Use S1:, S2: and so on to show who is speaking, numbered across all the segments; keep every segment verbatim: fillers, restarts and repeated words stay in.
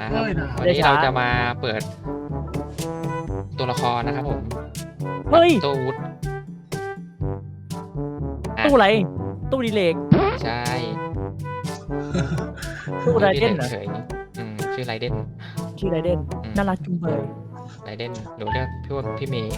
S1: นะครับ
S2: เฮ้ยนะ
S1: วันนี้เราจะมาเปิดตัวละครนะครับผม
S3: เฮ้ย
S1: ตู้วุฒอ่ะ
S3: ตู้อะไรตู้ดีเลก
S1: ใช่
S3: ตู้ไรเดน
S1: ชื่อ
S3: เหรอ
S1: เฉยๆอืมชื่อไรเดน
S3: ชื่อไรเดน
S1: อืม
S3: น่ารักจุงเบย
S1: ไรเดนหนูเรียกพี่ว่าพี่เมย์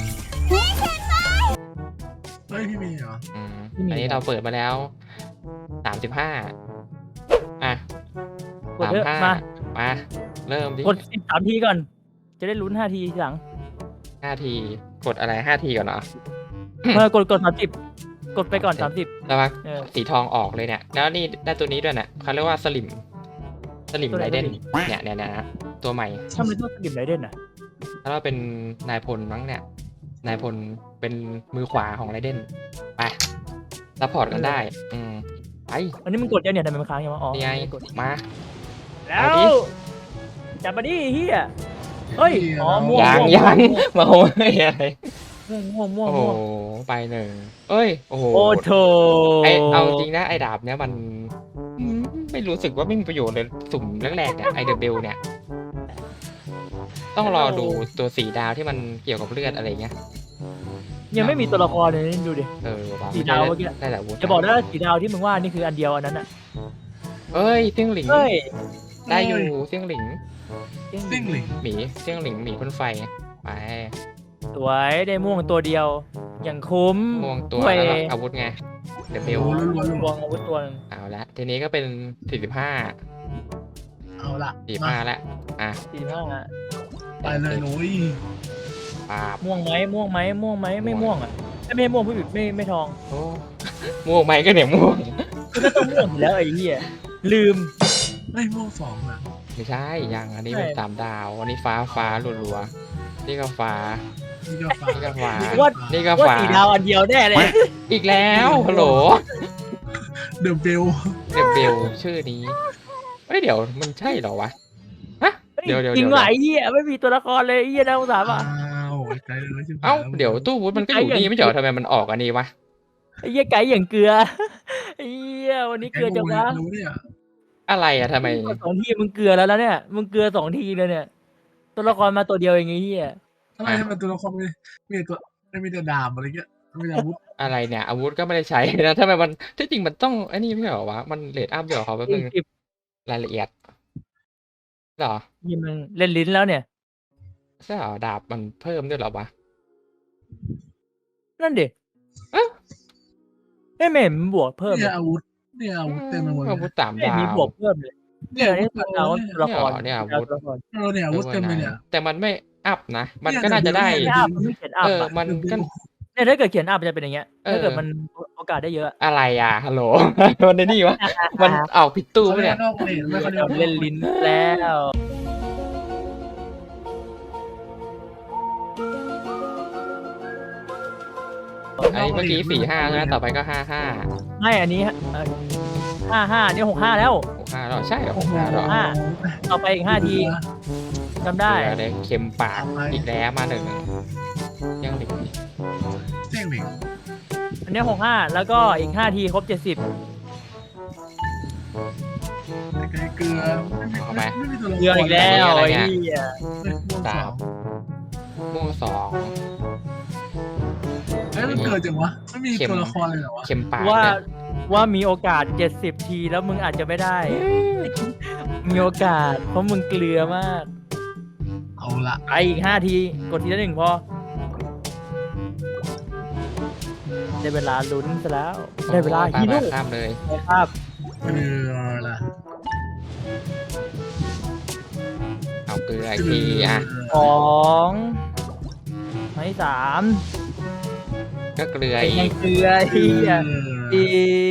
S2: เฮ้ยพี่มีเหรอ
S1: อืมอันนี้เราเปิดมาแล้วสามสิบห้าอ่ะ
S3: กด
S1: สาม
S3: เถอะ
S1: ห้า
S3: มา
S1: มาเริ่มดิ
S3: กดสิบสามทีก่อน จะได้ลุ้นห้าทีทีหลัง
S1: ห้าทีกดอะไรห้าทีก่อนเนาะ
S3: เออกดกดสามสิบกดไปก่อนสามสิบ
S1: แล้วว่า
S3: เออ
S1: สีทองออกเลยเนี่ย แล้วนี่ได้ตัวนี้ด้วยเนี่ยเขาเรียกว่าสลิมสลิม
S3: ตัวไห
S1: ไร
S3: น
S1: เดนเนี่ยเนี่ยเนี่ยนะตัวใหม่
S3: ทำไมต้องสกิมไรเดนอ่ะ
S1: แล้วเราเป็นนายพลมั้งเนี่ย นายพลเป็นมือขวาของไรเดนไปซัพพอร์ตกันได้ อืมไป
S3: อันนี้มึงกดยังเนี่ยทำไมมันค้างยังวะอ๋อ
S1: นี่ไง
S3: ม่กด
S1: มา
S3: แล้
S1: เอา
S3: ว
S1: ดิ
S3: จับมาดิเฮียเฮ้ยอ๋อม่วง
S1: ยัง
S3: ม่ว
S1: ยัง
S3: ม่ว
S1: มาโอ้ยอะไร
S3: ม่วงม่วงม่วง
S1: โอ้โห
S3: ม่วง
S1: ไปหนึ่งเอ้ยโอ้โห
S3: โอ้โถ
S1: ไอเอาจริงนะไอดาบเนี้ยมันอืมไม่รู้สึกว่าไม่มีประโยชน์เลยสุ่มแรกๆเนี่ยไอเดอะเบลเนี่ย ต้องรอดูตัวสีดาวที่มันเกี่ยวกับเลือดอะไรเงี้ย
S3: ยังไม่มีตัวละครเลยนี่ดูดิ
S1: เออว่ะ
S3: สีดาวเมื่อกี้
S1: ได้แต่วุฒิ
S3: จะบอกนะสีดาวที่มึงว่านี่คืออันเดียวอันนั้นอ่ะ
S1: เอ้ยเซี่ยงหลิง
S3: เฮ้ย
S1: ได้อยู่เซี่ยงหลิง
S2: ซิ่งหลิง
S1: หมีเซี่ยงหลิงหมีพ่นไฟไป
S3: สวยได้ม่วงตัวเดียว อย่างคุ้ม
S1: ม่วงตัว
S3: เว้ย
S1: แล้วก็อาวุธไงเดอะเบล
S2: โอ้ล้วน
S3: ม่วงอาวุธตัวหนึง
S1: เอาละทีนี้ก็เป็นสี่สิบห้า
S2: ๆเอาละ
S1: สี่
S2: มา
S1: ห้าแล้วอ่ะ
S3: สี่ห้า
S2: ไปเลยหนูย
S1: ปราบ
S3: ม่วงไหมม่วงไหมม่วงไหมไม่ม่วงอ่ะไม่ไม่ม่วงผู้ผิดไม่ไม่ทอง
S1: โอ้ม่วงไหมก็เนี่ยม่วง
S3: ก็ต้องม่วงอยู่แล้วไอ้เหี้ยลืม
S2: ไม่ม่วงสองนะ
S1: ไม่ใช่ยังอันนี้เป็น
S3: ใช่
S1: สามดาวอันนี้ฟ้าฟ้ารัวๆนี่ก็ฟ้า
S2: นี่ก็ฟ้า
S1: นี่ก็ฟ้า
S3: ว่า
S1: นี่ก็
S3: ว่า
S1: ฟ้า
S3: สีดาวอันเดียวแน่เลย
S1: อีกแล้วฮัลโหล
S2: เดอะเบล
S1: เดบเบลชื่อนี้เฮ้ยเดี๋ยวมันใช่เหรอวะฮะเดี๋ยวเดี๋ยว
S3: จริ
S1: เดี๋
S3: ง
S1: ยว
S3: ว่ะไอ้เหี้ยไม่มีตัวละครเลยไอ้เหี้ยน่าสงสาร
S2: อ้า
S3: ว่ะ
S2: วไกลเลยใช่ไหม
S1: เอ้าเดี๋ยวตู้วุฒิมันก็อยู่นี่ไม่ใช่เหรอทำไมมันออกอันนี้วะ
S3: ไอ้เหี้ยไก่อย่างเกลือไอ้เหี้ยวันนี้เกลือจังวะ
S2: รู้เนี่ย
S1: อะไรอะทำไม
S3: สองทีมึงเกลือแล้วแล้วเนี่ยมึงเกลือสองทีเลยเนี่ย ตัวละครมาตัวเดียวอย่างงี้เหี้ย
S2: ทำไมทำไมตัวละครมีมีตัวไม่มีแต่ดาบอะไรเงี้ยไม่มีอาวุธ
S1: อะไรเนี่ยอาวุธก็ไม่ได้ใช้นะทำไมมันที่จริงมันต้องไอ้นี่ไม่ใช่เหรอวะมันเลดอัพเดี๋ยวเขาแป๊บนึง
S3: สิบ
S1: รายละเอียดเหรอ
S3: ยี่มึงเล่นลิ้นแล้วเนี่ย
S1: ใช่เหรอดาบมันเพิ่มด้วยเหรอวะ
S3: นั่นดิ
S1: เอ๊ะ
S3: เอ้ยไม่เห็นมันบวกเพิ่ม
S2: เนี่
S3: เลย ย
S2: อาวุธเนี่ยอาวุธเต็มไปหมดเล
S1: อาย วุธสาม
S3: ไม่เห็น
S1: ดา
S3: มี
S1: ว
S3: บวกเพิ่มเลย
S2: เนี่ย
S3: เนี่ย
S2: อาวุธ
S3: นี่ตัวละครตัวละคร
S1: เนี่ยเหรอเนี่ยอาวุธ
S3: ตัวละคร
S2: เออเนี่ยอาวุธเต็มเลยเนี่ย
S1: แต่มันไม่อัพนะ มัน
S2: เนี่ย
S1: ก็น่าจะได้
S2: เดี๋
S3: ไม่
S2: ยว
S3: อัพมันไม่เขียนอัพ
S1: เออ
S3: อะ
S1: มันก็
S3: เนี่ยถ้าเกิดเขียนอัพมันจะเป็นอย่างเงี้ย
S1: เออ
S3: ถ้าเกิดมันโอกาสได้เยอะ
S1: อะไรอ่ะฮัลโหล มันในนี่วะมันเอาผิดตู้
S2: เขา
S1: ปะ
S2: เรี
S1: เนี่ย ย
S2: กนอกเลนไม่เขาเรียก
S3: เล่นลิ้นแล้ว
S1: ไอ้เมื่อกี้สี่ห้าใช่ไหมต่อไปก็ห้าห้า
S3: ไม่อันนี้ห้าห้าเนี่ยหกห้าแล้ว
S1: หกห้าหรอใช่เหรอห
S2: โอ้
S1: ก
S2: โห
S1: ห้าหรอ
S3: ห้า ต่อไปอีกห้าทีจำได้
S1: เดี๋ยวเลยเค็มปากอีกแล้วมาหนึ่งยังหลิง
S2: เจ๊งหลิง
S3: อันนี้หกห้าแล้วก็อีกห้าทีครบเจ็ดสิบ
S2: ไกลเกลือไม่มีตัวละคร
S3: เกลืออีกแล้วไอ้เหี้ย
S2: ม่วงสอง
S1: ม่วงสอง
S2: เอ้ยมันเกิดจังวะไม่มีตัวละครเลยเหรอวะ
S1: เค็มปาก
S3: ว่า
S1: เนี่ย
S3: ว่ามีโอกาสเจ็ดสิบทีแล้วมึงอาจจะไม่ได้ มีโอกาส เพราะมึงเกลือมาก
S2: เอาละ
S3: ไปอีกห้าที กดทีละหนึ่งพอ ได้เวลาลุ้นซะแล้ว ได้เวลา
S1: โอ้
S3: ฮี
S1: ไป
S3: โร่
S1: ไปข้ามเลย
S3: ได้ภาพ
S2: เกลือละ
S1: เอาเกลืออีกทีอ่ะ
S3: สองไม้สาม
S1: ก็เกลือ
S3: เป็น
S1: อี
S3: ยัง
S1: ก
S3: เกลือเฮียดี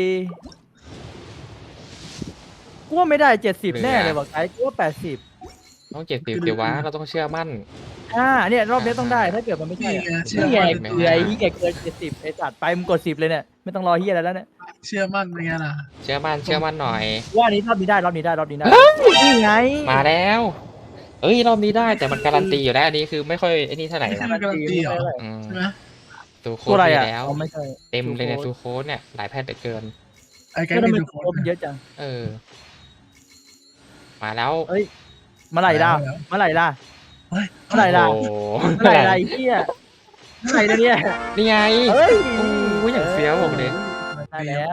S3: กูว่าไม่ได้เจ็ดสิบแน่เลยว่ะไกด์กูว่าแปดสิบ
S1: ต้องเจ็ดสิบเดี๋ยววะเราต้องเชื่อมั่น
S3: อ่าเนี่ยรอบนี้ต้องได้ถ้าเกิดมันไม่ใช่
S2: นี่
S3: อะ
S2: ไงเชื่อ
S3: นี่ไง
S2: มั่น
S3: เกลือไอ้เฮียเกินเจ็ดสิบไอ้สัตว์ไปมึงกดสิบเลยเนี่ยไม่ต้องรอเฮียอะไรแล้วเนี่ย
S2: เชื่อมั่นเป็นไงล่ะ
S1: เชื่อมั่นเชื่อมั่นหน่อย
S3: ว่านี้รอบนี้ได้รอบนี้ได้รอบนี้ได้นี่ไง
S1: มาแล้ว เอ้ยรอบนี้ได้แต่มันการันตีอยู่แล้วอันนี้คือไม่ค่อยไอ้นี่เท่าไหร่
S2: ไม่ใช่
S1: นะ
S2: มันการันตีเหรอ
S1: อืม
S2: ใช่ไหม
S1: ตูโค้
S3: ตัว
S1: ด
S3: อะไร
S1: มี
S3: อ่ะ
S1: แล้ว
S3: อ๋อไม่ใช่
S1: เต็มเลยเนี่ยตูโค้ดเนี่ยหลายแพทย์เหลือเกิน
S2: ไอ้ไก
S3: ก็
S2: ด์
S3: ทำ
S2: มี
S3: ไม
S2: ตัวโค้
S3: ตัว
S2: ด
S3: มันเยอะจัง
S1: เออ มาแล้ว
S3: เอ้ยเมื่อไหร่ล่ะ
S2: แล้ว
S3: เมื่อไหร่ล่ะ
S2: เฮ้ย
S3: เมื่อไหร่ล่ะ
S1: โอ้โห
S3: เมื่อไหร่ล่ะไอ้เหี้ยเมื่อไหร่นะเนี่ย
S1: นี่ไง
S3: เฮ้ย
S1: โอ้ยอย่างเฟี้ยวบอกเลย
S3: ได้แล้ว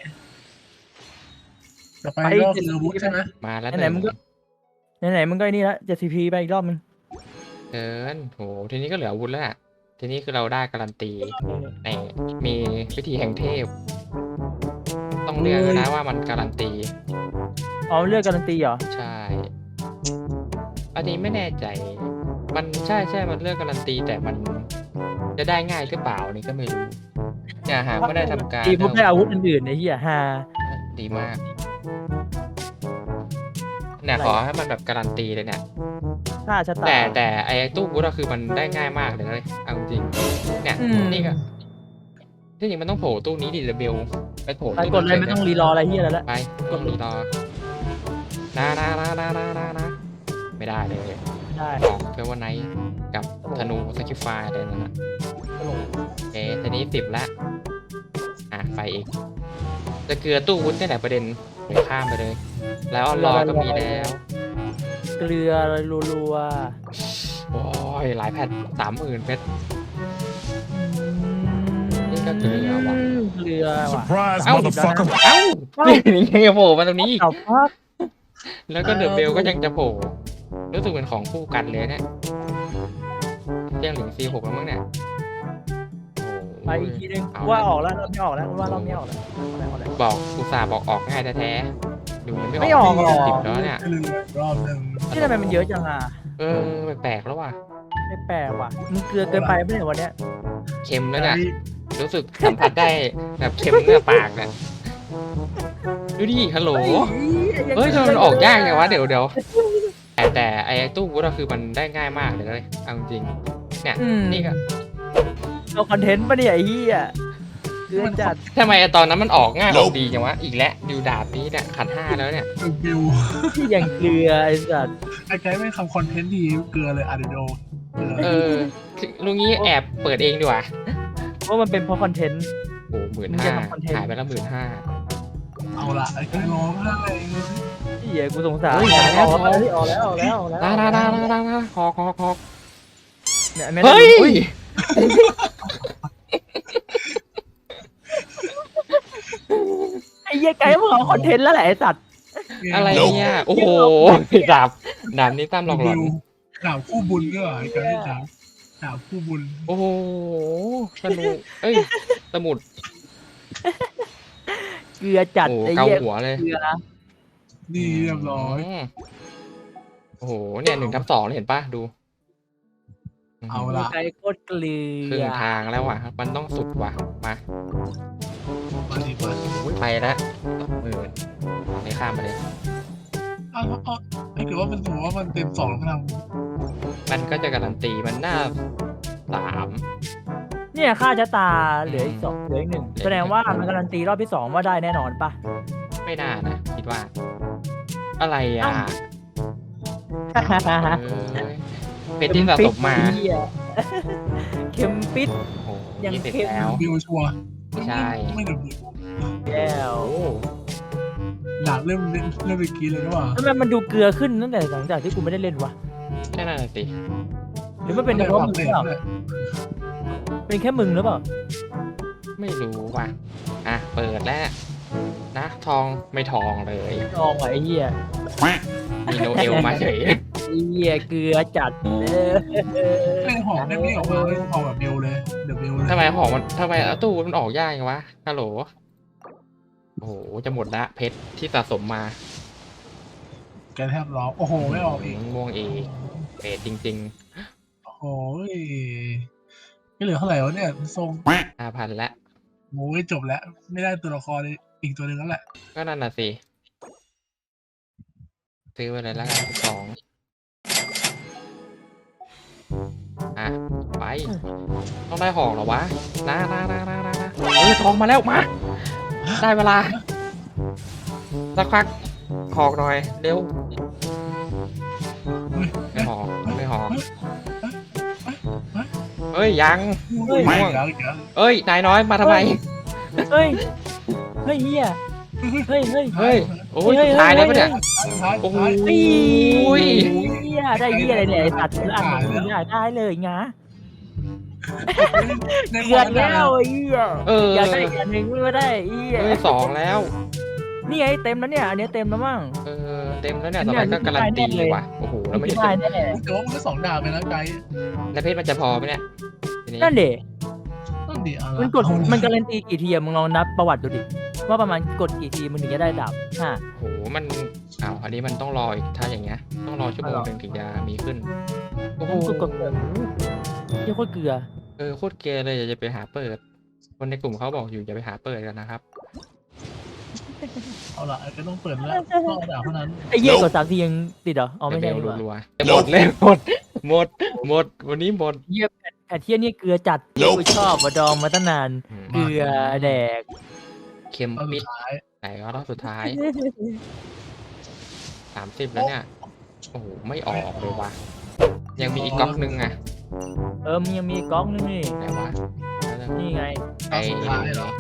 S2: ต่อไปก็คืออาวุธใช่ไหม
S1: มาแล้ว
S3: ไหนๆมึงก็ ไหนๆมึงก็ไอ้นี่ละเจ็ดซีพีไปอีกรอบมึง
S1: เกินโหทีนี้ก็เหลืออาวุธแล้วอะทีนี้คือเราได้การันตีในมีวิธีแห่งเทพ ต้องเลือกด้วยนะว่ามันการันตี
S3: อ๋อเลือกการันตีเหรอ
S1: ใช่ อันนี้ไม่แน่ใจ มันใช่ใช่มันเลือกการันตีแต่มันจะได้ง่ายหรือเปล่านี่ก็ไม่รู้เนี่ยหากไม่ได้ทำการ
S3: ตีปุ๊บได้อาวุธอื่นๆไอ้เหี้ยฮา
S1: ดีมากเนี่ยขอให้มันแบบการันตีเลยเนี่ย
S3: ฆ่าชะตา
S1: แต่แต่ไอ้ตู้บูธอะคือมันได้ง่ายมากเลยนะเลยเอาจริงๆเนี่ย
S3: อืม
S1: นี่ก็ที่จริงมันต้องโผล่ตู้นี้ดิเดเบลไปโผล่
S3: ไป
S1: ตู้
S3: กดเลยไม่ต้องรีรออะไรเหี้ยแล้วละ
S1: ไปกดรีรอนะนะนะนะนะนะนะไม่ได้เลย
S3: ได้
S1: ของเฟเวอร์ไนท์กับธนูสกิฟฟายอะไรนั่นนะโอเคทีนี้สิบละอ่ะไปอีก จะเกลือตู้วุ้นนี่แหละประเด็นเดี๋ยวข้ามไปเลย แล้วรอก็มีแล้ว
S3: เกลือรัว
S1: โอ้ยหลายแพทสามหมื่นเพชร
S3: ๆ
S1: นี่ก็เกลือว่ะ
S3: เกลือว่ะ
S4: Surprise,
S1: Ow.
S4: motherfucker.
S1: เอ้านี่ยังโผล่มาตรงนี้อีก
S3: เอาพัก
S1: แล้วก็เดอะเบลก็ยังจะโผล่รู้สึกเป็นของคู่กันเลยเนี่ยเที่ยงถึงซีหกแล้วมั้งเนี่ยโอ้
S3: ไป
S1: ย
S3: อีกทีนึง
S1: เอา
S3: ว่า
S1: ละ
S3: ออกแล้วรอบนี้ออกแล้วว่ารอบนี้ออกแล้วออกแล้วออกแล้ว
S1: บอกอุตส่าห์บอกออกง่ายแท้ๆดูยังไม่
S3: ไม่ออกหรอ
S1: สิบแล้วเนี่ย
S2: ก็เลยรอบหนึ่ง
S3: ที่ทำไมมันเยอะจังอ่ะ
S1: เออแปลกๆแล้วว่ะ
S3: ไม่แปลกว่ะมึงเกลือเกินไปไม่ใช่วันเนี้ย
S1: เค็มแล้วเนี่ยรู้สึกสัมผัสได้แบบเค็มเนื้อปากเนี่ยดูดิฮัลโหลเฮ้ยทำไมมันออกยากไงวะเดี๋ยวเดี๋ยวแต่แต่ไอ้ตู้บูธอะคือมันได้ง่ายมากเลยนะเลยเอาจริงๆเนี่ย
S3: อืม
S1: นี่ก็
S3: เอาคอนเทนต์ปะเนี่ยไอ้เหี้ยเกลือจัด
S1: ทำไมตอนนั้นมันออกง่ายออกดีจังวะ อีกแล้วดิวดาบนี้เนี่ยขันห้าแล้วเนี่ย
S2: บิว
S3: ที่อย่างเกลือไอ้สัตว์
S2: ไอ้ไกด์ไม่ทำคอนเทนต์ดีเกลือเลยอะเดโดเกลือ
S1: เออลุงนี้แอบเปิดเองดีกว่า
S3: เพราะมันเป็นเพราะคอนเทนต์
S1: โอ้หมื่น
S3: มึง
S1: ห้า
S3: จะทำคอนเทนต์
S1: หายไปแล้วหมื่นห้า
S2: เอาละไอ้ไกด์ร้องไห้
S3: เหี้ยกูสงสาร
S1: เฮ้ย
S3: อ
S1: อ
S3: อ
S1: อก กแล้
S3: แล้ว วออกแล้วออกแล้วออกแล้ว
S1: ดาดาดาดาดาดาคอคอคอ
S3: เนี่ยแม่
S1: เฮ้ย
S3: อุ้ยไอ้เหี้ยไกด์มึงเอาคอนเทนต์แล้วแหละไอ้สัตว์
S1: อะไรเนี่ย โอ้โหดาบดาบนี้ตามหลอกหลอน
S2: ดาบคู่บุญก็ไอ้ไกด์ดาบดาบคู่บุญ
S1: โอ้โหสนุกเอ้ย สมุด
S3: เกลือจัด
S1: โอ้
S3: ไอ้
S1: เกา
S3: เหี้ย
S1: หัวเลย
S3: เกลือนะ
S2: นี่เรียบร้อย
S1: มโอ้โห เนี่ยหนึ่งทับสองเห็นปะดู
S2: เอาละ
S3: ไกด์โคตรเกลื
S1: ครึ่ง
S3: อ
S1: ทางแล้วว่ะ มันต้องสุดว่ะ มา
S2: มาดีมา
S1: โอ้ยไปแล้วสองหมื่นไม่ข้ามไปเลย
S2: อ้าวอ้าวไอ้เกิดว่ามันสมมติว่ามันเต็มสองแล้วมัน
S1: มันก็จะการันตีมันหน้าสาม
S3: เนี่ยค่าชะตาเหลืออีกสองเหลืออีกหนึ่งแสดงว่ามันการันตีรอบที่สองว่าได้แน่นอนปะ
S1: ไม่น่านะ คิดว่า อะไรอ่ะเอ้ยเป็นที่สะสมมา
S3: เหี้ยเข็มปิด
S1: โอ้โห
S3: ยัง
S1: ยี่สิบ
S3: เข้ม
S1: แล้ว
S2: บิวชัวร์
S1: ใช่
S2: ไม่ดับบิว
S3: แล้ว
S1: โอ้
S2: ดาบเริ่มเล่นเริ่มเมื่อกี้เลยนะว่า
S3: ทำไมมันดูเกลือขึ้นตั้งแต่หลังจากที่กูไม่ได้เล่นวะ
S1: แค่นั้นนะสิ
S3: หรือมันเป็นเฉพาะมึงหรือเปล่าเป็นแค่มึงหรือเปล่า
S1: ไม่รู้ว่ะ อ่ะ เปิดแล้ว นะ ทองไม่ทองเลย
S3: ลองว่ะไอ้เหี้ย
S1: มีโนเอลมาเฉย
S3: ไอ้เหี้ยเกลือจัดเออ
S2: เล่นหอมได้ไม่ออกมาเลยหอมแบบเบลเลยเดอะเบลเลย
S1: ทำไมของมันทำไมเอาตู้มันออกยากจังวะฮัลโหล โอ้โห จะหมดละเพชรที่สะสมมา
S2: แกแทบร้องโอ้โหไม่ออกอีก
S1: ม่วงอีกเพชรจริง
S2: โอ้ยไม่เหลือเท่าไหร่วะเนี่ยทรง
S1: ๆห้าพันละ
S2: โอ้ยจบแล้ว ไม่ได้ตัวละครอีกตัวหนึ่งแล้วแหละ
S1: ก็นั่นน่ะสิ ซื้อไปเลยแล้วกันสองอ่ะ ไป ต้องได้ของเหรอวะนะนะนะนะนะนะเออทองมาแล้วมา ได้เวลา สักพักหอกหน่อย เร็ว ไม่หอกไม่หอกเอ้ย ยัง
S2: ไม่
S1: ม่วง
S2: แล้วอีกแล้ว
S1: เอ้ย นายน้อยมาทำไม
S3: เฮ้ยเฮ้ยเหี้ยเฮ้ยเฮ้ย
S1: เฮ้ยโอ้ย
S3: เฮ้ย
S1: สุดท้ายแล้วปะเนี่ย
S2: ท้าย
S1: โอ้โห
S2: ท้าย
S3: อุ้ยเหี้ยได้เหี้ยอะไรเนี่ยไอ้สัตว์ละอันมึงได้ได้เลยงะ
S2: ใน
S3: เกือนแล้วไอ้เหี้ย
S1: เออ
S3: อยากได้อีกอันหนึ่งไม่ได้ไอ้เหี้ย
S1: เฮ้ยสองแล้ว
S3: นี่ไงเต็มแล้วเนี่ยอันนี้เต็มแล้วมั้ง
S1: เออเต็มแล้วเนี่ยต่อไปก็การันตีว่ะโอ้โหแล้วไม่
S3: ไม่
S1: ได้
S3: ได้แน่
S2: แต่ว่ามันก็สองดาบไปแล้วไกด์
S1: แล้วเพชรมันจะพอไหมเนี่ยทีนี้
S3: นั่นเด็
S2: ต้องดีอะไร
S3: มันกดมันการันตีกี่ทีอะมึงลองนับประวัติดูดิว่าประมาณกดกี่ทีมึงถึงจะได้ดาบห้า
S1: โอ้โหมันอ้าวอันนี้มันต้องรออีกถ้าอย่างเงี้ยต้องรอชั่วโมงหนึ่งถึงจะมีขึ้นโอ้โห
S3: กดกดกดเยี่ยโคตรเกลือ
S1: เออโคตรเกย์เลยอย่าจะไปหาเปิด คนในกลุ่มเขาบอกอยู่อย่าไปหาเปิดกันนะครับ
S2: เอาละก็ต้องเปิดแล้วต้องดาบเท่านั้น
S3: ไอ้เหี้ยกดสามทียังติดเหรออ๋อไม่ใช่
S1: เบ
S3: ดี
S1: ล
S3: กว่า
S1: รัวๆหมดเลยหมดหมดหมดวันนี้หมด
S3: เหี้ยแผ่นแผ่นเทียนี่เกลือจัดกูชอบมาดองมาตั้งนาน
S1: อืม
S3: เกลือแดก
S1: เค็ม
S2: เอาสุ
S1: ปิ
S2: ด
S1: ด
S2: ท้าย
S1: ไหนก็รอบสุดท้ายสามสิบแล้วเนี่ยโอ้โหไม่ออกเลยว่ะยังมีอีกก๊อกนึงอ่ะ
S3: เออมันยังมีก๊อกนึงนี่
S1: ไหนวะ
S3: นี่ไง
S1: ไอ
S2: เอาสุดท้ายเหรอ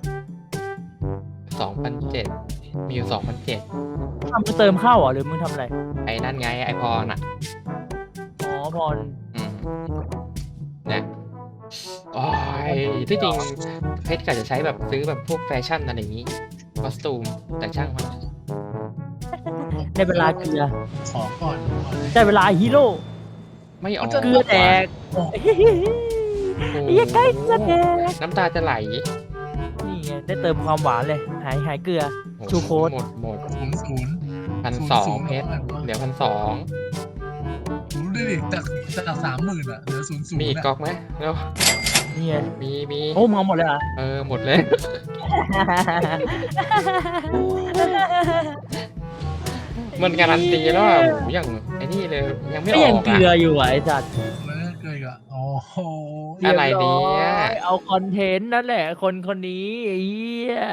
S1: สองพันเจ็ดมีอยู่สองพันเจ็ด
S3: ทำมึงเติมเข้าเหรอหรือมึงทำอะไร
S1: ไอ้นั่นไงไอพรอ่ะ
S3: อ๋อพร
S1: อืมเนี่ยโอ้ยที่จริงเพชรก็จะใช้แบบซื้อแบบพวกแฟชั่นอะไรอย่างนี้คอสตูมแต่ช่างมัน
S3: ในเวลาเกลือ
S2: ขอก่อนขอเลย
S3: ได้เวลาฮีโร่
S1: ไม่ออก
S3: เกลือแดก
S1: โอ้โห
S3: ไอ้เหี้ยใกล้เกลือแดก
S1: น้ำตาจะไหล
S3: นี่ไงได้เติมความหวานเลย หายหายเกลือ
S1: โอ้โห
S3: ชูโค้ด
S1: หมดหมด
S2: ศูนย์ศูนย์
S1: พันสองเพชรเหลือพันสอง
S2: ศูนย์ดูดิจากจากสามหมื่นอะเหลือศูนย์ศูนย์
S1: มีอีกก๊อกไหมแล้ว
S3: นี่ไง
S1: มีมี
S3: โอ้มึงเอาหมดเลยเหรอ
S1: เออหมดเลย มันการันตีแล้วอ่ะโหอย่างไอ้นี่เลยยังไม่
S3: ก็
S1: อ
S3: ยัง
S1: อก
S3: เก
S1: อ่ะ
S3: ลืออยู่อ่ะไอ้สัตว์
S2: แล้วเกิดอะโอ้โห
S1: อะไรเนี่ย
S3: รีบร้อยเอาคอนเทนต์นั่นแหละ คนคนนี้ไอ้เหี้ย